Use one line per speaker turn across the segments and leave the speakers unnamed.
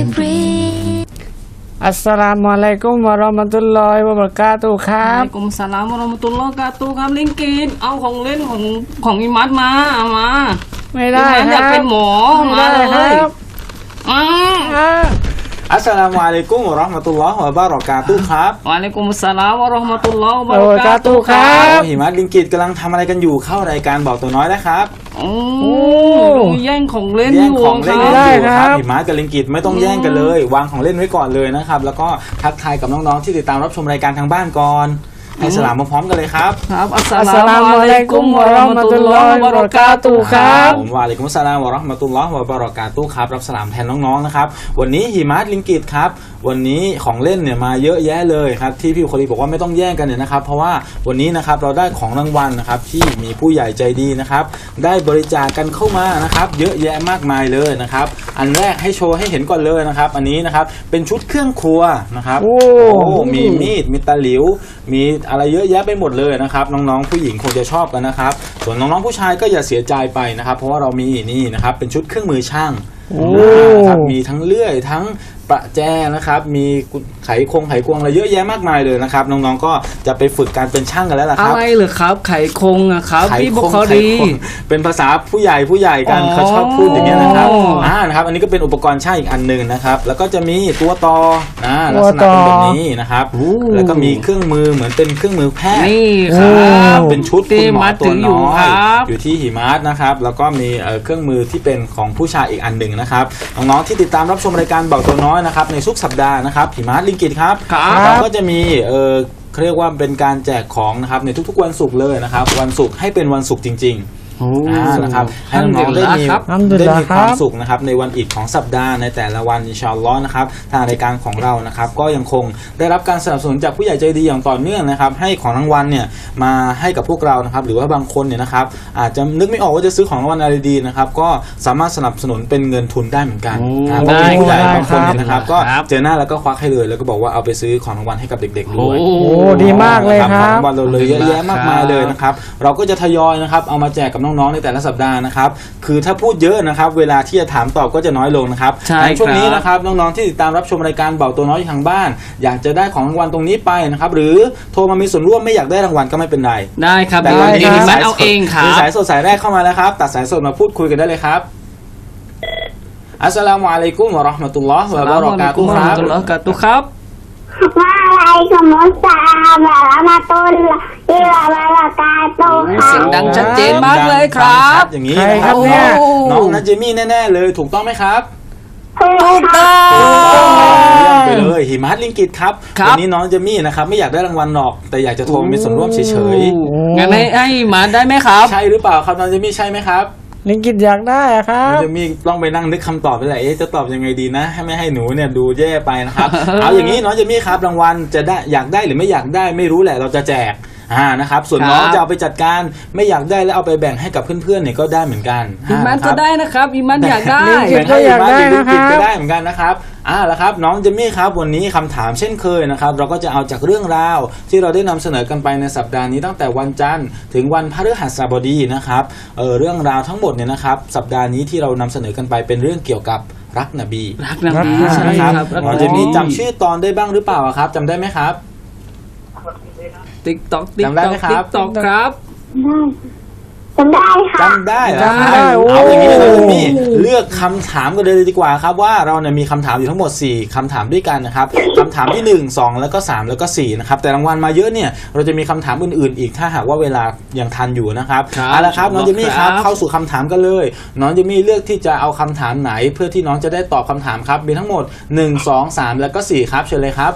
อัสสลามุอะลัยกุมวะเราะมะตุลลอฮิวะบะเราะกาตุฮ์ครับ
วะอะลัยกุมสลามวะเราะมะตุลลอฮิวะบะเราะกาตุฮ์ครับลิงกิตเอาของเล่นของอิมัดมาเอามา
ไม่ได้
อิมัด
ค
อยาก
รับ
เป็นหมอ
ไม่
มา
ได้
เล
ค
ย
รับ
อ่า
อัสสลามุอะลัยกุมวะเราะห์มะตุลลอฮ์วะบะเราะกาตุฮ์ครับ
วะอะลัยกุมสลามวะเราะห์มะตุลลอฮิวะบะ
โอ้
เราะกาตุฮ์
ครั
ครับ บ
หิมะลิงกิตกำลังทำอะไรกันอยู่เข้ารายการบอกตัวน้อยนะครับ
โอ้แย่งของเล่น
แย่
อง ยู่
ของ
ค
เล่น
รั
กัน
บ
อยู่ครับหิมะกับลิงกิตไม่ต้องแย่งกันเลย วางของเล่นไว้ก่อนเลยนะครับแล้วก็ทักทายกับน้องๆที่ติดตามรับชมรายการทางบ้านก่อนให้สลามพร้อมๆกันเลยครับ
ครับอัสส
อัสส
ลา
ลา
มุ
มุ
อะ
อะ
ลั
ลั
ย
ย
กุ
กุ
ม
ม
วะ
วะ
เราะ
เราะ
มะ
มะ
ตุ
ตุ
ล
ล
ล
ล
อ
อ
ฮิ
ฮิ
วะ
วะ
บะ
บะ
เราะ
เราะ
กาก
า
ตุ
ตุ
ฮ์
ฮ์
ค
ค
รั
รับ บ
ผมวะอะลัยกุมสสลามวะเราะห์มะตุลลอฮิวะบะเราะกาตุฮ์ครับรับสลามแทนน้องๆนะครับวันนี้หิมะลิงกิตครับวันนี้ของเล่นเนี่ยมาเยอะแยะเลยครับที่พี่คนนี้บอกว่าไม่ต้องแย่งกันเนี่ยนะครับเพราะว่าวันนี้นะครับเราได้ของรางวัลนะครับที่มีผู้ใหญ่ใจดีนะครับได้บริจาคกันเข้ามานะครับเยอะแยะมากมายเลยนะครับอันแรกให้โชว์ให้เห็นก่อนเลยนะครับอันนี้นะครับเป็นชุดเครื่องครัวนะครับ
โอ้
มีมีดมีตะหลิวมีอะไรเยอะแยะไปหมดเลยนะครับน้องๆผู้หญิงคงจะชอบกันนะครับส่วนน้องๆผู้ชายก็อย่าเสียใจไปนะครับเพราะว่าเรามีนี่นะครับเป็นชุดเครื่องมือช่างนะครับมีทั้งเลื่อยทั้งประแจนะครับมีไขควงอะไรเยอะแยะมากมายเลยนะครับน้องๆก็จะไปฝึกการเป็นช่างกันแล้วล่ะค
อะ
รับ
ไรเหรอครับไขคงอะครับ
ไข
พี่บุ
ควง
คอ
ไข
รี
ควงเป็นภาษาผู้ใหญ่กัน
อ๋อ
เขาชอบพูดอย่างเงี้ยนะครับนะครับอันนี้ก็เป็นอุปกรณ์ช่างอีกอันหนึ่งนะครับแล้วก็จะมีตัวต่อลักษณะเป็นแบบนี้นะครับแล้วก็มีเครื่องมือเหมือนเป็นเครื่องมือแพทย์
นี่ครับ
เป็นชุดคุณหมอตัวน้อย
ครับ
อยู่ที่หิมะนะครับแล้วก็มีเครื่องมือที่เป็นของผู้ชายอีกอันหนึ่งนะครับน้องๆที่ติดตามรับชมรายการบอกตัวน้อยนะครับในทุกสัปดาห์นะครับหิมะลิงกิตครับ
ครับ
เราก็จะมีเขาเรียกว่าเป็นการแจกของนะครับในทุกๆวันศุกร์เลยนะครับวันศุกร์ให้เป็นวันศุกร์จริงๆนะครับให้น้องๆได้มี
อัลฮัมดุลิลลาห์
ความสุขนะครับในวันอีกของสัปดาห์ในแต่ละวันอินชาอัลลอฮ์นะครับทางรายการของเรานะครับก็ยังคงได้รับการสนับสนุนจากผู้ใหญ่ใจดีอย่างต่อเนื่องนะครับให้ของรางวัลเนี่ยมาให้กับพวกเรานะครับหรือว่าบางคนเนี่ยนะครับอาจจะนึกไม่ออกว่าจะซื้อของรางวัลอะไรดีนะครับก็สามารถสนับสนุนเป็นเงินทุนได้เหมือนกันเพราะมีผู้ใหญ่บางคนเนี่ยนะครับก็เจอหน้าแล้วก็ควักให้เลยแล้วก็บอกว่าเอาไปซื้อของรางวัลให้กับเด็กๆด้วย
โอ้ดีมากเลยค
ข
รั
อง
บ
รางวัลเราเลยเยอะแยะมากมายเลยนะครับเราก็จะทยอยนะครับเอามาแจกกับน้องๆในแต่ละสัปดาห์นะครับคือถ้าพูดเยอะนะครับเวลาที่จะถามตอบก็จะน้อยลงนะครับ
ใช่
ในช่วงนี้
ครับ
นะครับน้องๆที่ติดตามรับชมรายการเบาตัวน้อยอยู่ทางบ้าน อยากจะได้ของรางวัลตรงนี้ไปนะครับหรือโทรมามีส่วนร่วมไม่อยากได้รางวัลก็ไม่เป็นไร
ได้ครับ
แต่
เดี๋ยว
วัน
นี้
นี้
หิมะเอาเองครั
มี
บ
สายสดสายแรกเข้ามาแล้วครับตัดสายสดมาพูดคุยกันได้เลยครับอัสสลามุอะลัยกุมวะเราะห์มะตุลลอฮ์วะบะเราะกาตุฮ์ครับ
อัสสลามุอะลัยกุมวะเราะกาตุฮ์ครับ
วะอะลัยกุมุสสลามวะเราะมะตุลลอฮิวะบะเราะกาตุฮ์
เสียงดังชัดเจนมากเลยครับ
อย่างนี้
ใคร
นะ
ค
ค
รั
รั
บบ เนี่ย
น้องนัทเจมี่แน่ๆเลยถูกต้องไหมครับ
ถูกต้อง
เยี่ยมไปเลยหิมะลิงกิตครับ
ครับ
วันนี้น้องเจมี่นะครับไม่อยากได้รางวัลหรอกแต่อยากจะโทรมีส่วนร่วมเฉย
งั้นให้มาได้ไหมครับ
ๆใช่หรือเปล่าครับน้องเจมี่ใช่ไหมครับ
ลิงกิตอยากได้อะครั
น้อง
บ
เจมี่ต้องไปนั่งนึกคำตอบไปแหละจะตอบยังไงดีนะให้ไม่ให้หนูเนี่ยดูแย่ไปนะครับ เอาอย่างนี้น้องเจมี่ครับรางวัลจะได้อยากได้หรือไม่อยากได้ไม่รู้แหละเราจะแจกนะครับส่วนน้อง
ครับ
จะเอาไปจัดการไม่อยากได้แล้วเอาไปแบ่งให้กับเพื่อนๆเนี่ยก็ได้เหมือนกัน
อิมันก็ได้นะครับอิมันอยากได้
ลิงกิต
แบ่งให้
ก็อยากได้
ลิง
นะครั
กิ
บ
ตก็ได้เหมือนกันนะครับแล้วครับน้องเจมี่ครับวันนี้คำถามเช่นเคยนะครับเราก็จะเอาจากเรื่องราวที่เราได้นำเสนอกันไปในสัปดาห์นี้ตั้งแต่วันจันทร์ถึงวันพฤหัสบดีนะครับเรื่องราวทั้งหมดเนี่ยนะครับสัปดาห์นี้ที่เรานำเสนอกันไปเป็นเรื่องเกี่ยวกับรักนบี
รักนบี
รัก
ใช่
นะครับ
ครับ
น้องเจมี่จำชื่อตอนได้บ้างหรือเปล่าครับจำได้ไหมครับ
ติ๊กต็อกติ๊ก
จำได้
ต็อ
ไหม
ก
ครับ
ติ๊กต็อกครับ
จำได้ค่ะ
จำได้เหรอครับ
จำได้โอ้
เอาอย่างนี้เลยนี่เลือกคำถามกันเลยดีกว่าครับว่าเราเนี่ยมีคำถามอยู่ทั้งหมด4คำถามด้วยกันนะครับคำถามที่1 2แล้วก็3แล้วก็4นะครับแต่รางวัลมาเยอะเนี่ยเราจะมีคำถามอื่นๆอีกถ้าหากว่าเวลายังทันอยู่นะครับ
ครับ
เอาละครับน้องเจมี่ครับ
ครับ
เข้าสู่คำถามกันเลยน้องเจมี่เลือกที่จะเอาคำถามไหนเพื่อที่น้องจะได้ตอบคำถามครับมีทั้งหมด1 2 3แล้วก็4ครับเชิญเลยครับ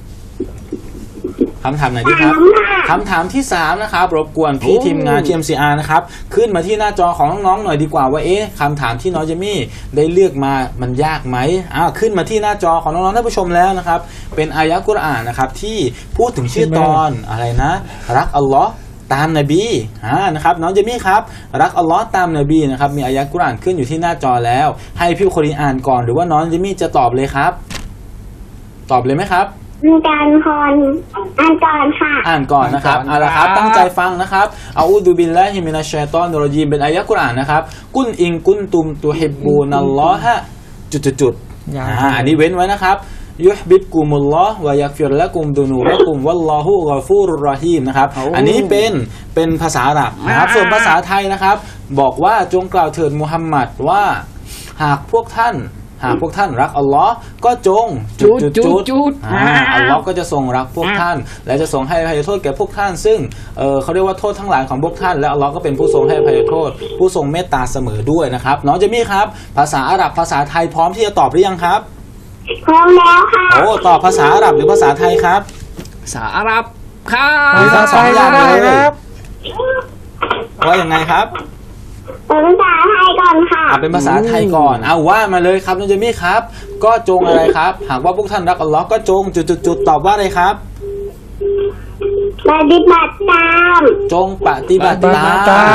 คำถามไหนดีครับคำถามที่3นะครับรบกวนพี่ทีมงาน TMCR นะครับขึ้นมาที่หน้าจอของน้องๆหน่อยดีกว่าว่าคำถามที่น้องเจมี่ได้เลือกมามันยากไหมขึ้นมาที่หน้าจอของน้องๆท่านผู้ชมแล้วนะครับเป็นอายะกุรอานนะครับที่พูดถึงชื่อตอนอะไรนะรักอัลลอฮ์ตามนบีนะครับน้องเจมี่ครับรักอัลลอฮ์ตามนบีนะครับมีอายะกุรอานขึ้นอยู่ที่หน้าจอแล้ว ให้พี่คนนี้อ่านก่อนหรือว่าน้องเจมี่จะตอบเลยครับตอบเลยไหมครับ
อ่านก่อนค่ะ
อ่านก่อนนะครับเอาละครับตั้งใจฟังนะครับอาอูดุบิลลาฮิมินัชชัยฏอนิรเราะญีมเป็นอายะกุรอานนะครับกุลอิงกุนตุมตุฮิบบูนัลลอฮะจุด
ยาว
อันนี้เว้นไว้นะครับยุฮบิบกุมุลลอฮ์วะยักฟิรละกุมดุนูรกุมวัลลอฮุกอฟูรุรรอฮีมนะครับอันนี้เป็นภาษาอาหรับนะครับส่วนภาษาไทยนะครับบอกว่าจงกล่าวเถิดมุฮัมมัดว่าหากพวกท่านรักอัลลอฮ์ก็จงอัลลอฮ์ก็จะทรงรักพวกท่านและจะทรงให้อภัยโทษแก่พวกท่านซึ่งเขาเรียกว่าโทษทั้งหลายของพวกท่านและอัลลอฮ์ก็เป็นผู้ทรงให้อภัยโทษผู้ทรงเมตตาเสมอด้วยนะครับน้องเจมี่ครับภาษาอาหรับภาษาไทยพร้อมที่จะตอบหรือยังครับ
พร้อมแล้วค่ะ
โอ้ตอบภาษาอาหรับหรือภาษาไทยครับ
ภาษาอาหรับครับ
หรือทั้งสองอย่างเลยครับว่ายังไงครับ
เป็นภาษาไทยก่อนค่ะ
เป็นภาษาไทยก่อนเอาว่ามาเลยครับน้องเจมี่ครับก็จงอะไรครับหากว่าพวกท่านรักอัลลอฮ์ก็จงจุดตอบว่าอะไรครับ
ปฏิบัติตาม
จงปฏิบัติตาม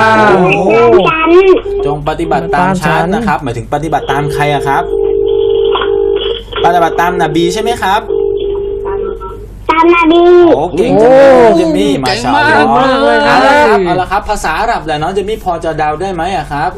จงปฏิบัติตามฉันนะครับหมายถึงปฏิบัติตามใครอะครับปฏิบัติตามนบีใช่ไหมครับ
ตามนบี
โอ้เก่งจังเลยน้องเจมี่มาชาอัลลอฮ์เอาละครับภาษาอาหรับแหละน้องเจมี่พอจะเดาได้ไหมอะครับ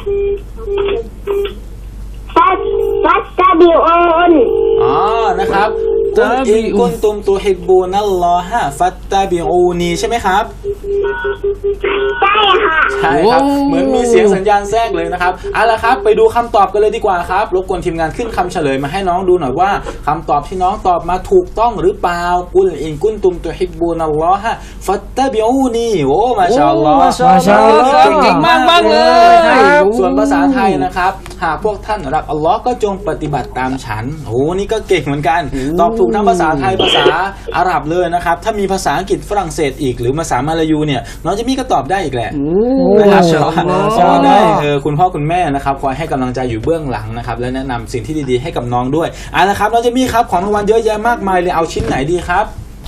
ฟัตตาบิอูน
นะครับกุลอินกุนตุมตุฮิบบูนัลลอฮะฟัตตาบิอูนีใช่ไหมครับ
ใช่ค่ะ
ใช่ครับเหมือนมีเสียงสัญญาณแทรกเลยนะครับเอาละครับไปดูคำตอบกันเลยดีกว่าครับรบกวนทีมงานขึ้นคำเฉลยมาให้น้องดูหน่อยว่าคำตอบที่น้องตอบมาถูกต้องหรือเปล่ากุลอินกุนตุมตุฮิบบูนัลลอฮะฟัตตาบิอูนีโอ้มาชาอัลลอฮ์
เก่งมากเลย
ส่วนภาษาไทยนะครับหากพวกท่านรักอัลลอฮ์ก็จงปฏิบัติตามฉันโอ้นี่ก็เก่งเหมือนกันตอบถูกทั้งภาษาไทยภาษาอาหรับเลยนะครับถ้ามีภาษาอังกฤษฝรั่งเศสอีกหรือภาษามาลายูเนี่ยน้องเจมี่ก็ตอบได้อีกแหละนะครับเพราะได้คุณพ่อคุณแม่นะครับคอยให้กำลังใจอยู่เบื้องหลังนะครับและแนะนำสิ่งที่ดีๆให้กับน้องด้วยนะครับน้องเจมี่ครับของรางวัลเยอะแยะมากมายเลยเอาชิ้นไหนดีครับ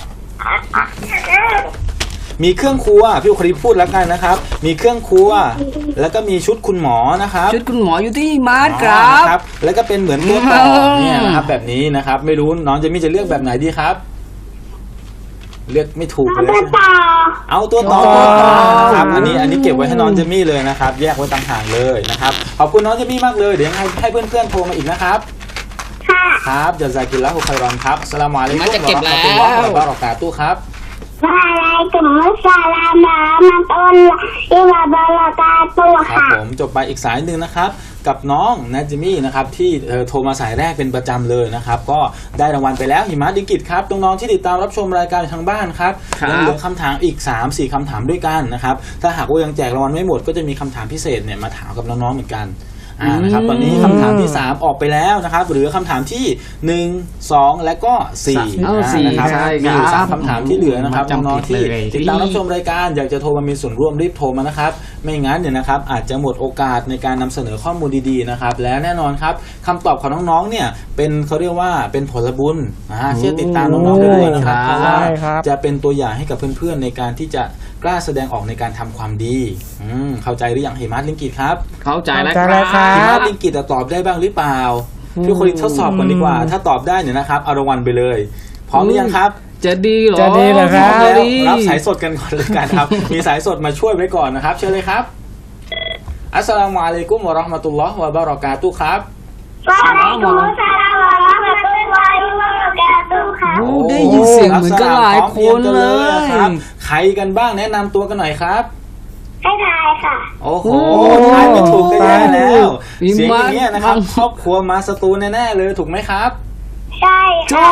มีเครื่องครัวพี่อุครีพูดแล้วกันนะครับมีเครื่องครัวแล้วก็มีชุดคุณหมอนะครับ
ชุดคุณหมออยู่ที่มาร์ทครับ
แล้วก็เป็นเหมือนตัวต่อเนี่ยนะครับแบบนี้นะครับไม่รู้น้องจะมีจะเลือกแบบไหนดีครับเลือกไม่ถูกเลยเอาตัวต่อครับอันนี้เก็บไว้ให้น้องเจมี่เลยนะครับแยกไว้ต่างหากเลยนะครับขอบคุณน้องเจมี่มากเลยเดี๋ยวให้เพื่อนๆโทรมาอีกนะครับครับจะซากิลละฮุคัยรอนครับอัสสลามุอะลัยกุมวะเราะห์มะตุลลอฮิวะบะเราะกาตุฮ์ครับ
วะอะลัยกุมุสสลามวะเราะห์มะตุลลอฮิวะบะเราะกาตุฮ์
ครับผมจบไปอีกสายหนึ่งนะครับกับน้องนัจมี่นะครับที่โทรมาสายแรกเป็นประจำเลยนะครับก็ได้รางวัลไปแล้วหิมะดิกิตครับน้องๆที่ติดตามรับชมรายการทางบ้านครับยังเหลือคำถามอีก 3-4 คำถามด้วยกันนะครับถ้าหากว่ายังแจกรางวัลไม่หมดก็จะมีคำถามพิเศษเนี่ยมาถามกับน้องๆเหมือนกันนะครับตอนนี้คำถามที่3ออกไปแล้วนะครับหรือคำถามที่1 2และก็4นะครับมีอยู่3คำถามที่เหลือนะครับน้องๆที่ติดตามรับชมรายการอยากจะโทรมามีส่วนร่วมรีบโทรมานะครับไม่งั้นเนี่ยนะครับอาจจะหมดโอกาสในการนำเสนอข้อมูลดีๆนะครับและแน่นอนครับคำตอบของน้องๆเนี่ยเป็นเขาเรียกว่าเป็นผลบุญเชื่อติดตามน้องๆไปด้วยนะครับเพราะว่าจะเป็นตัวอย่างให้กับเพื่อนๆในการที่จะกล้าแสดงออกในการทำความดีเข้าใจหรือยังหิมะลิงกิตครับ
เข้าใจแล้วครับ
หิมะลิงกิตตอบได้บ้างหรือเปล่าพี่คนทดสอบกันดีกว่าถ้าตอบได้เนี่ยนะครับเอารางวัลไปเลยพร้อมหรือยังครับ
จะดีหรอ
จะดีเหรอครับ
รับสายสดกันก่อนเลยกันครับมีสายสดมาช่วยไว้ก่อนนะครับเชิญเลยครับอัสสลามุอะลัยกุมวะเราะห์มะตุลลอฮ์วะบะเราะกาตุฮ์ครับ
วะอะลัยกุมุสสลามวะเราะห์มะตุลลอฮิวะบะเราะกาตุฮ์ครับ
ได้ยินเสียงเหมือนกันหลายคนเลย
ครับใครกันบ้างแนะนำตัวกันหน่อยครับ
ให้ทายค่ะ
โอ้โหทายไม่ถูกก็แย่แล้วเสียงอย่างเงี้ยนะครับครอบครัวมาสตูแน่ๆเลยถูกไหมครับ
ใช่ค่ะ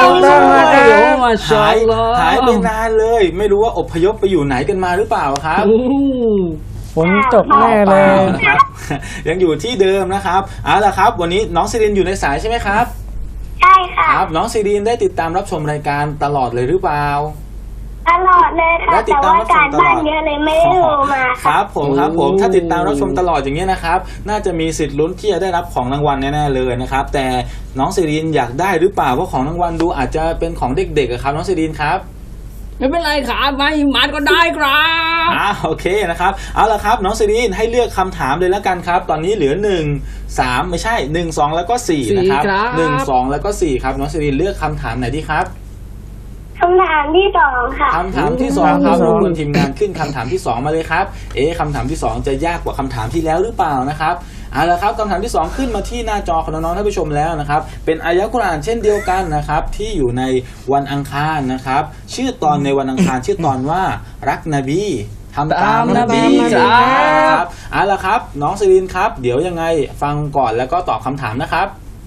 หายไปนานเลยไม่รู้ว่าอพยพไปอยู่ไหนกันมาหรือเปล่าครับ
ฝนตกแน่เลย
นะครับยังอยู่ที่เดิมนะครับเอาล่ะครับวันนี้น้องซิรินอยู่ในสายใช่ไหมครับ
ใช่ค่ะ
ครับน้องซิรินได้ติดตามรับชมรายการตลอดเลยหรือเปล่า
ตลอดเลยค่ะแต่ว่าการบ้านเยอะเลยไม่ได้โทรมา
ครับผมถ้าติดตามรับชมตลอดอย่างเงี้ยนะครับน่าจะมีสิทธิ์ลุ้นที่จะได้รับของรางวัลแน่ๆเลยนะครับแต่น้องซิรินอยากได้หรือเปล่าเพราะของรางวัลดูอาจจะเป็นของเด็กๆครับน้องซิรินครับ
ไม่เป็นไรครับไม่มาก็ได้ครับ
โอเคนะครับเอาละครับน้องซิรินให้เลือกคำถามเลยแล้วกันครับตอนนี้เหลือ1 3ไม่ใช่1 2แล้วก็4นะครับ1 2แล้วก็4ครับน้องซิรินเลือกคำถามไหนดีครับ
คำถามที่2ค่ะ
คำถามที่2ครับรบกวนทีมงานขึ้นคำถามที่2มาเลยครับคำถามที่2จะยากกว่าคำถามที่แล้วหรือเปล่านะครับเอาละครับคำถามที่ 2 ขึ้นมาที่หน้าจอของน้องๆท่านผู้ชมแล้วนะครับเป็นอายะกุรอานเช่นเดียวกันนะครับที่อยู่ในวันอังคารนะครับชื่อตอนในวันอังคารชื่อตอนว่ารักนบีทำตามนบีครับเอาละครับน้องซิรินครับเดี๋ยวยังไงฟังก่อนแล้วก็ตอบคำถามนะครับ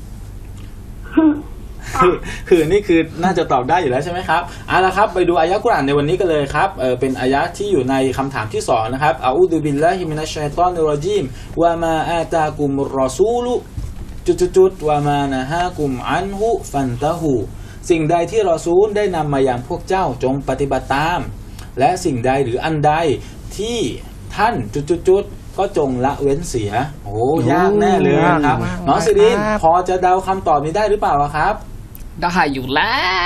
คือนี่คือน่าจะตอบได้อยู่แล้วใช่ไหมครับเอาละครับไปดูอายะกุรอานในวันนี้กันเลยครับเป็นอายะที่อยู่ในคำถามที่2นะครับอาอูดุบิลลาฮิมินัชชัยฏอนิรเราะญีมวะมาอาตากุมรอซูลุจุดวะมานะฮากุมอันฮุฟันตะฮูสิ่งใดที่รอซูลได้นำมาอย่างพวกเจ้าจงปฏิบัติตามและสิ่งใดหรืออันใดที่ท่านจุดก็จงละเว้นเสียโอ้ยากแน่เลยนะครับน้องซิรินพอจะเดาคำตอบนี้ได้หรือเปล่าครับ
ได้อยู่แล้ว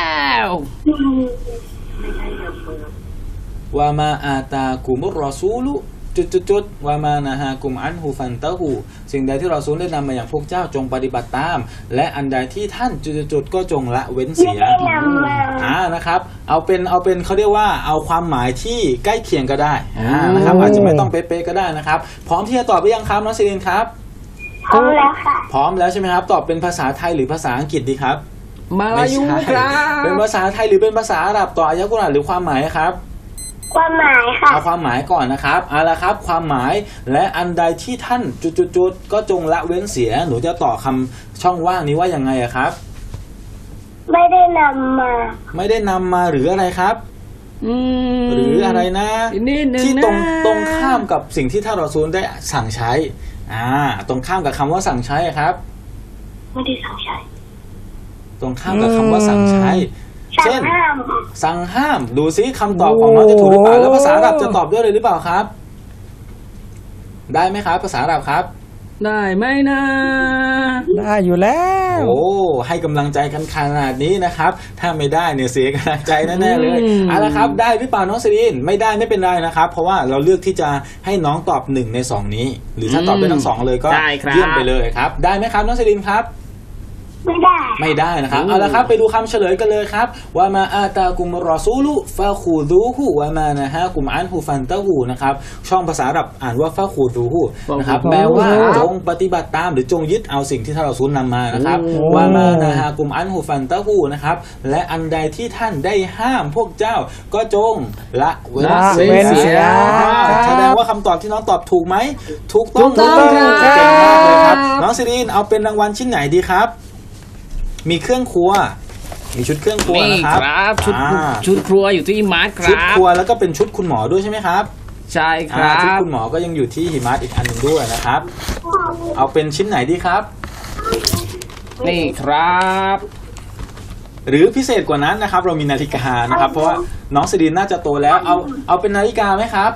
วามาอาตากุมุรรอซูลุจุดวามานะฮากุมอันฮูฟันตะฮูสิ่งใดที่รอซูลได้นำมาอย่างพวกเจ้าจงปฏิบัติตามและอันใดที่ท่านจุดก็จงละเว้นเสียนะครับเอาเป็นเขาเรียกว่าเอาความหมายที่ใกล้เคียงก็ได้นะครับอาจจะไม่ต้องเป๊ะๆก็ได้นะครับพร้อมที่จะตอบหรือยังครับน้องซิรินครับ
พร้อมแล้วค่ะ
พร้อมแล้วใช่ไหมครับตอบเป็นภาษาไทยหรือภาษาอังกฤษดีครับ
มาลายูครับ
เป็นภาษาไทยหรือเป็นภาษาอาหรับต่ออายะกุรอานหรือความหมายครับ
ความหมายค่ะ
เอาความหมายก่อนนะครับเอาละครับความหมายและอันใดที่ท่านจุดก็จงละเว้นเสียหนูจะต่อคำช่องว่างนี้ว่ายังไงครับ
ไม่ได้นำ
มาหรืออะไรครับหรืออะไรนะที่ตรงข้ามกับสิ่งที่ท่านรอซูลได้สั่งใช้ตรงข้ามกับคำว่าสั่งใช้ครับ
ไม่ได้สั่งใช้
ตรงข้ามกับคำว่าสั่งใช้เช่นสั่งห้ามดูซิคำตอบของน้องจะถูกหรือเปล่าแล้วภาษาอาหรับจะตอบด้วยเลยหรือเปล่าครับได้ไหมครับภาษาอาหรับครับ
ได้ไหมนะ
ได้อยู่แล้ว
โอ้ให้กำลังใจกันขนาดนี้นะครับถ้าไม่ได้เนี่ยเสียกำลังใจแน่ๆเลยเอาละครับได้หรือเปล่าน้องซิรินไม่ได้ไม่เป็นไรนะครับเพราะว่าเราเลือกที่จะให้น้องตอบ1ใน2นี้หรือถ้าตอบได้ทั้ง2เลยก็เยี่ยมไปเลยครับได้ไหมครับน้องซิรินครับไม่ได้นะครับเอาละครับไปดูคำเฉลยกันเลยครับว่ามาอาตากุมรอซูลุฟาคูดูฮูวามานะฮะกุมอันฮูฟันตะฮูนะครับช่องภาษาอาหรับอ่านว่าฟาคูดูฮูนะครับแปลว่าจงปฏิบัติตามหรือจงยึดเอาสิ่งที่ท่านรอซูลนำมานะครับวามานะฮะกุมอันฮูฟันตะฮูนะครับและอันใดที่ท่านได้ห้ามพวกเจ้าก็จงละเว้นเสียแสดงว่าคำตอบที่น้องตอบถูกไหมถูกต้องเก่งมากเลยครับน้องซิรินเอาเป็นรางวัลชิ้นไหนดีครับมีเครื่องครัวมีชุดเครื่องครัวนะครับ
ชุดครัวอยู่ที่หิมัสครับ
ชุดครัวแล้วก็เป็นชุดคุณหมอด้วยใช่ไหมครับ
ใช่ครับ
ชุดคุณหมอก็ยังอยู่ที่หิมัสอีกอันหนึ่งด้วยนะครับเอาเป็นชิ้นไหนดีครับ
นี่ครับ
หรือพิเศษกว่านั้นนะครับเรามีนาฬิกานะครับเพราะว่าน้องซิรินน่าจะโตแล้วเอาเป็นนาฬิกาไหมครับ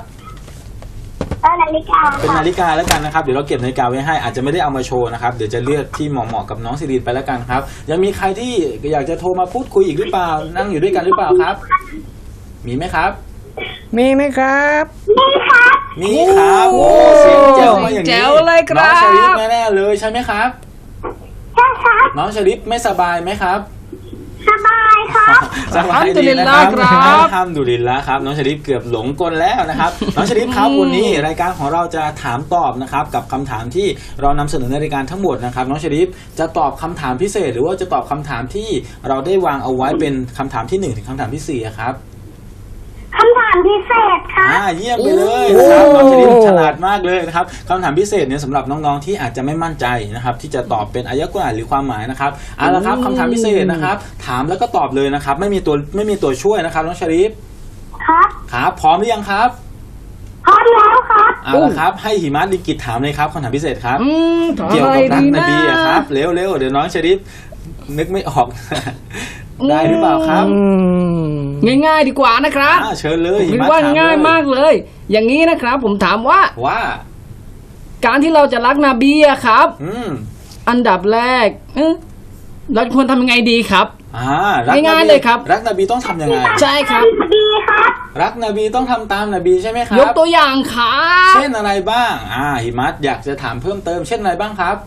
เป็นนาฬิกาแล้วกันนะครับเดี๋ยวเราเก็บนาฬิกาไว้ให้อาจจะไม่ได้เอามาโชว์นะครับเดี๋ยวจะเลือกที่เหมาะกับน้องซิรินไปแล้วกันครับยังมีใครที่อยากจะโทรมาพูดคุยอีกหรือเปล่านั่งอยู่ด้วยกันหรือเปล่าครับมีไหมครับ
มีไหมครับ
มีครับโอ้เสียงแจ๋วมาอย่างนี้น้องชลิปแน่ๆเลยใช่ไหมครับ
ใช่ครับ
น้องชลิปไม่สบายไหมครับ
สบายครับ
สบายดีนะครับทำดุลินละครับน้องชลิปเกือบหลงกลแล้วนะครับน้องชลิปครับวันนี้รายการของเราจะถามตอบนะครับกับคำถามที่เรานำเสนอในรายการทั้งหมดนะครับน้องชลิปจะตอบคำถามพิเศษหรือว่าจะตอบคำถามที่เราได้วางเอาไว้เป็นคำถามที่1ถึงคำถามที่4ครับ
คำถามพิเศษครับ
เยี่ยมไปเลยนะครับน้องชลิปฉลาดมากเลยนะครับคำถามพิเศษเนี่ยสำหรับน้องๆที่อาจจะไม่มั่นใจนะครับที่จะตอบเป็นอายะกุรอานหรือความหมายนะครับเอาละครับคำถามพิเศษนะครับถามแล้วก็ตอบเลยนะครับไม่มีตัวช่วยนะครับน้องชลิปครับพร้อมหรือยังครับ
พร้อมแล้วครับ
เอาละครับให้หิมัสลิกิตถามเลยครับคำถามพิเศษครับเกี่ยวกับรักนบีครับเร็วเดี๋ยวน้องชลิปนึกไม่ออกได้หรือเปล่าครับ
ง่ายๆดีกว่านะครับ
เชิญเลย
คิดว่าง่ายมากเลยอย่างนี้นะครับผมถามว่าการที่เราจะรักนบีอะครับอันดับแรกเราควรทำยังไงดีครับง่ายๆเลยครับ
รักนบีต้องทำยังไง
ใช่ครับ
รักนบีต้องทำตามนบีใช่ไหมครับ
ยกตัวอย่างครับ
เช่นอะไรบ้างหิมัสอยากจะถามเพิ่มเติมเช่นอะไรบ้างครับ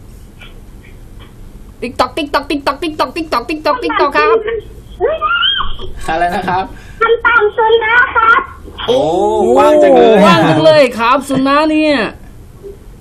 ติ๊กตอกติ๊กตอกติ๊กตอกติ๊กตอกติ๊กตอกติ๊กตอกติ๊กตอกครับ
อะไรนะครับ
ทำตามสุนนะครับ
โอ้ว่างจังเลย
ครับสุนนะเนี่ย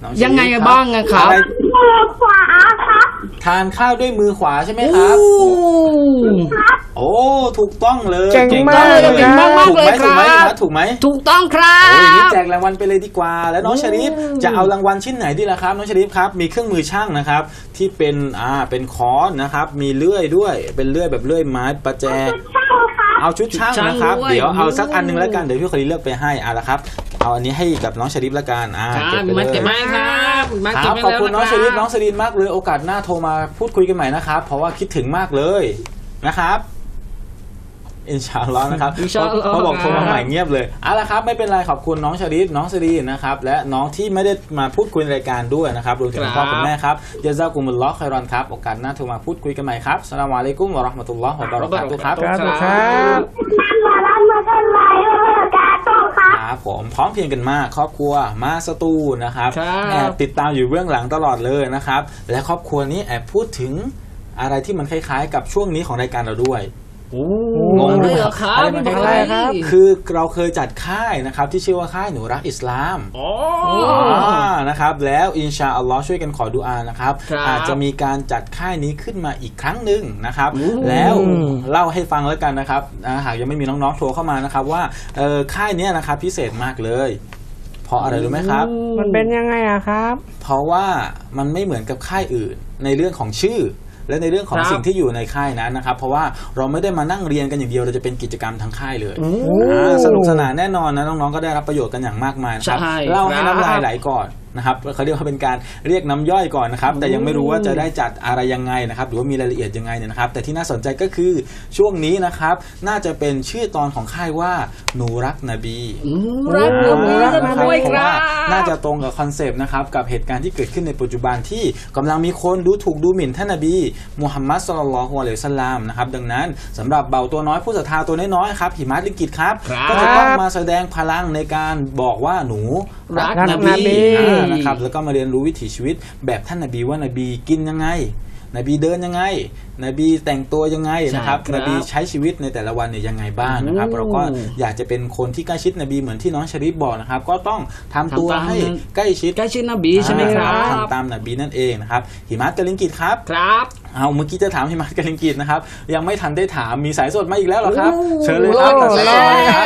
น้องเชอรี่
ยังไงบ้างอะครับ
อะไร
มือขวาครับ
ทานข้าวด้วยมือขวาใช่ไหมครับ โอ้ถูกต้องเลย
เก่งมาก
เก่งมากๆเลย
ถูกไหม
ครับ
ถูกไหม
ถูกต้องครั
โอ้ยอย่างนี้
บ
แจกรางวัลไปเลยดีกว่า แล้วน้องชริฟจะเอารางวัลชิ้นไหนดีล่ะครับน้องชริฟครับมีเครื่องมือช่างนะครับ ที่เป็นค้อนนะครับ มีเลื่อยด้วยเป็นเลื่อยแบบเลื่อยไม้ประแจ
ใช่ครับ
เอาชุดช่าง
ชุดช่าง
นะครับ
ด้วย
เดี๋ยวเอาสักอันหนึงแล้วกันเดี๋ยวพี่คนนี้เลือกไปให้ละครับเอาอันนี้ให้กับน้องชริฟละกัน
ครั
เก็
บบ
ไป
มา
เล
เก็บ
ย
มาครับมา
ค
เก็
รั
บบ ไป
ขอบคุณน้องชริฟน้อง
แล้ว
สรินมากเลยโอกาสหน้าโทรมาพูดคุยกันใหม่นะครับเพราะว่าคิดถึงมากเลยนะครับอินชาอัลลอฮ์นะครับ
อินชาอัลลอฮ์
เขาบอกโทรมาใหม่เงียบเลยละครับไม่เป็นไรขอบคุณน้องชริฟน้องสรีนะครับและน้องที่ไม่ได้มาพูดคุยในรายการด้วยนะครับรวมถึงคุณพ่อคุณแม่ครับยะซากุมุลลอฮ์ค็อยรอนครับโอกาสหน้าโทรมาพูดคุยกันใหม่ครับอัสสลามุอะลัยกุมวะเราะห์มะตุลลอฮ์วะบะเราะกาตุฮ์ครับ
ครับครับ
มาแล้วมากันไรกาโต้ครับ
ครับผมพร้อมเพรียงกันมากครอบครัวมาสตูนะครับ
ครับ
แอบติดตามอยู่เบื้องหลังตลอดเลยนะครับและครอบครัวนี้แอบพูดถึงอะไรที่มันคล้ายๆ กับช่วงนี้ของรายการเราด้วย งง
เล
ด้วย ย
เหรอครับ
อะไรมันคล้ายๆ
ครับ
คือเราเคยจัดค่ายนะครับที่ชื่อว่าค่ายหนูรักอิสลาม
อ๋อ
นะครับแล้วอินชาอัลลอฮ์ช่วยกันขอดุอานะครับ
ครับ
อาจจะมีการจัดค่ายนี้ขึ้นมาอีกครั้งหนึ่งนะครับ
อืม
แล้วเล่าให้ฟังแล้วกันนะครับหากยังไม่มีน้องๆโทรเข้ามานะครับว่าค่ายเนี้ยนะครับพิเศษมากเลยเพราะอะไรรู้ไหมครับ
มันเป็นยังไงอะครับ
เพราะว่ามันไม่เหมือนกับค่ายอื่นในเรื่องของชื่อ และในเรื่องของ
ครับ
สิ่งที่อยู่ในค่ายนั้นนะครับเพราะว่าเราไม่ได้มานั่งเรียนกันอย่างเดียวเราจะเป็นกิจกรรมทางค่ายเลยสนุกสนานแน่นอนนะน้องๆก็ได้รับประโยชน์กันอย่างมากมายนะครับ
ใช่
เล่าให้
ครับ
น้ำลายไหลก่อนนะครับเขาเรียกว่าเป็นการเรียกน้ำย่อยก่อนนะครับแต่ยังไม่รู้ว่าจะได้จัดอะไรยังไงนะครับหรือว่ามีรายละเอียดยังไงเนี่ยนะครับแต่ที่น่าสนใจก็คือช่วงนี้นะครับน่าจะเป็นชื่อตอนของค่ายว่าหนูรักนบี
รักนบี
รัก
กัน
นะครับ
ด้วย
เพ
ค
ราะ
รั
ว่า
บ
น่าจะตรงกับคอนเซปต์นะครับกับเหตุการณ์ที่เกิดขึ้นในปัจจุบันที่กำลังมีคนดูถูกดูหมิ่นท่านนบีมุฮัมมัดศ็อลลัลลอฮุอะลัยฮิวะซัลลัมนะครับดังนั้นสำหรับเบาตัวน้อยผู้ศรัทธาตัวน้อยๆครับหิมะลิกิตครับ
ครับ
ก็จะต้องมาแสดงพลังในการบอกว่าหนูรัก
รัก
น
นบี
บีนะครับแล้วก็มาเรียนรู้วิถีชีวิตแบบท่านนบีว่านบีกินยังไงนบีเดินยังไงนบีแต่งตัวยังไงนะครับ
ใช่ครับ
นบีใช้ชีวิตในแต่ละวันเนี่ยยังไงบ้างนะครับเราก็อยากจะเป็นคนที่ใกล้ชิดนบีเหมือนที่น้องชริฟบอกนะครับก็ต้องทำตัว
ทำตาม
ให้ใกล้ชิด
ใกล้ชิดนบีใช่ไหมครับ
ทำตามนบีนั่นเองนะครับหิมัตกลิงกิตครับ
ครับ
เอาเมื่อกี้จะถามหิมัตกลิงกิตนะครับยังไม่ทันได้ถามมีสายสดมาอีกแล้วเหรอครับ
โอ้
เชิญเลยครับ
โอ้
ตัดสายสดมาเลยครับ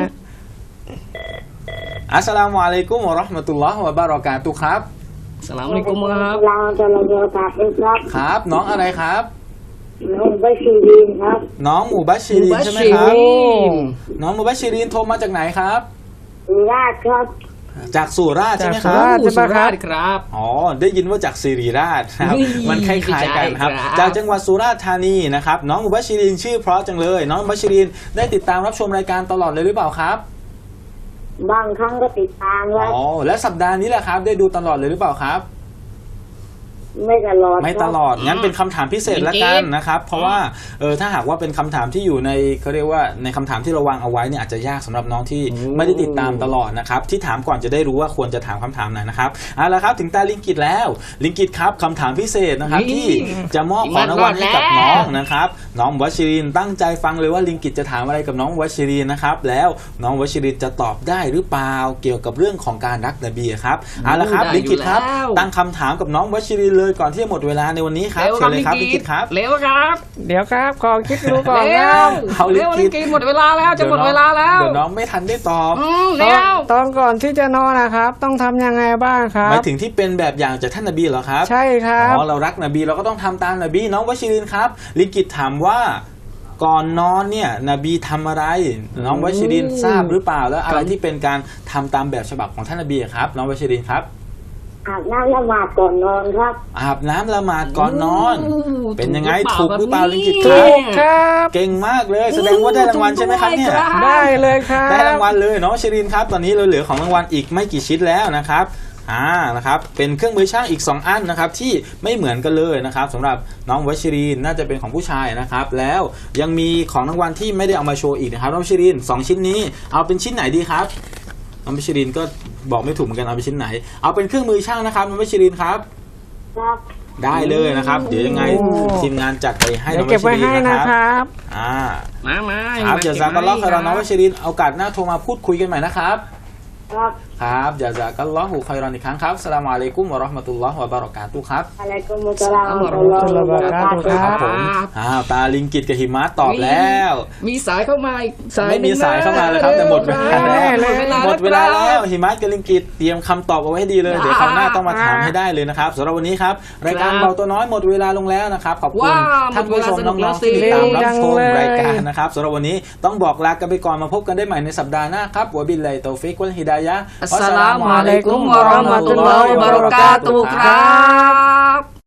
อัสสลามุอะลัยกุมวะเราะห์มะตุลลอฮ์วะบะเราะกาตุฮ์ครับ
สลามอะลัยกุมครับ
เราจะมาเจอกับครับ
ครับน้องอะไรครับ
น้องบัชีรีนครับ
น้องหมู่บัชชีรินใช่ไหมครับ
มุบัชชิริน
น้องหมู่บัชชีรินโทรมาจากไหนครับ
สุราษฎร์ครับ
จากสุราษฎร์ใช่ไหมค
จาก
รับ
สุราษฎร์
สุราษฎร์ครับ
อ๋อได้ยินว่าจากสิริราชนะครับ
นี่
มันคล้ายๆกันครับ
ใช่ครับ
จากจังหวัดสุราษฎร์ธานีนะครับน้องมุบัชชิรินชื่อเพราะจังเลย น้องมุบัชชิรินได้ติดตามรับชมรายการตลอดเลยหรือเปล่าครับ
บางครั้งก็ติดตามครับ
อ๋อและสัปดาห์นี้แหละครับได้ดูตลอดเลยหรือเปล่าครับ
ไม่ตลอด
ไม่ตลอดงั้นเป็นคำถามพิเศษละกันนะครับเพราะว่าถ้าหากว่าเป็นคำถามที่อยู่ในเขาเรียกว่าในคำถามที่เราวางเอาไว้เนี่ยอาจจะยากสำหรับน้องที่ไม่ได้ติดตามตลอดนะครับที่ถามก่อนจะได้รู้ว่าควรจะถามคำถามไหนนะครับเอาละครับถึงตาลิงกิตแล้วลิงกิตครับคำถามพิเศษนะครับ
นี่
ที่จะมอบของรางวัลให้กับน้องนะครับน้องวัชรินตั้งใจฟังเลยว่าลิงกิตจะถามอะไรกับน้องวัชรินนะครับแล้วน้องวัชรินจะตอบได้หรือเปล่าเกี่ยวกับเรื่องของการรักนบีครับเอาละครับ
ได้
ลิงกิตครับ
อยู่แล้ว
ตั้งคำถามกับน้องวัชรินเลยก่อนที่จะหมดเวลาในวันนี้ครับ
เร็ว
เชิญเลยครับลิงกิตครับ
เร็วครับ
เดี๋ยวครับขอคิดดูก่อน
เร็
นะ
ว
เอาลิ
เร็ว
กิ
ลิ
ต
กิตหมดเวลาแล้วจะหมดเวลาแล้ว
เดี๋ยวน้องไม่ทันได้ตอบ
เร็ว
ตอนก่อนที่จะนอนนะครับ ต้องทำยังไงบ้างครั
หมา
บ
ยถึงที่เป็นแบบอย่างจากท่านนบีเหรอครับ
ใช่ครับ
อ๋อเรารักนบีเราก็ต้องทำตามนบีน้องวชิรินครับลิงกิตถามว่าก่อนนอนเนี่ยนบีทำอะไร น้องวชิรินทราบหรือเปล่าแล้วอะไรที่เป็นการทำตามแบบฉบับของท่านนบีครับน้องวชิรินครับ
อาบน้ำละหมาดก่อนนอนครับ
อาบน้ำละหมาดก่อนนอน เป็นยังไงถูกหรือเปล่าลิงกิตค
ถู
รับ
กครับ
เก่งมากเลยแสดงว่าได้รางวัลใช่ไหมครับเนี่ย
ได้เลยครับ
ได้รางวัลเลยน้องวชิรินครับตอนนี้เราเหลือของรางวัลอีกไม่กี่ชิ้นแล้วนะครับนะครับเป็นเครื่องมือช่างอีก2อันนะครับที่ไม่เหมือนกันเลยนะครับสำหรับน้องวชิรินน่าจะเป็นของผู้ชายนะครับแล้วยังมีของรางวัลที่ไม่ได้เอามาโชว์อีกนะครับน้องวชิริน2ชิ้นนี้เอาเป็นชิ้นไหนดีครับน้องวชิรินก็บอกไม่ถูกเหมือนกันเอาเป็นชิ้นไหนเอาเป็นเครื่องมือช่างนะครับน้องวชิรินครับ
ครับ
ได้เลยนะครับเดี๋ยวยังไง
โอ้
ทีมงานจัดไปให้
เดี๋
น้
ย
อ
ว
งว
เก็บ
ชิ
ไว้
ริน
ให้
นะ
นะ
ค
ครับ รับ
มา
ครับเดี๋ยวซากัลลอฮ์คอยรอน้องวชิรินโอกาสหน้าโทรมาพูดคุยกันใหม่นะครับ
ครับ
ครับจาซากัลลอฮุคอยรอนอีกครั้งครับอัสสลามุอะลัยกุมวะเราะห์มะตุลลอฮ์วะบะเราะกาตุฮ์ครับ
Waalaikumsalam warahmatullahi wabarakatuh.
ครับผมตาลิงกิตกับหิมะตอบแล้ว
มีสายเข้ามาอีกสาย
ไม่มีสายเข้ามาแล้วครับแต่หมดเวลาแล้วหมดเวลา
แล้
แล้ว วหิมะกับลิงกิตเตรียมคำตอบเอาไว้ให้ดีเลยเดี๋ยวคราวหน้าต้องมาถามให้ได้เลยนะครับสำหรับวันนี้ครับรายการเบาตัวน้อยหมดเวลาลงแล้วนะครับขอบคุณท่านผู้ชมน้องๆที่ติดตามรับชมรายการนะครับสำหรับวันนี้ต้องบอกลากันไปก่อนมาพบกันได้ใหม่ในสัปดาห์หน้าครับวะบิลลาฮิตอฟิกวัลฮิดายะฮ์
อัสสลามุอะลัยกุมวะเราะห์มะตุลลอฮิวะบะเราะกาตุฮ์ครับ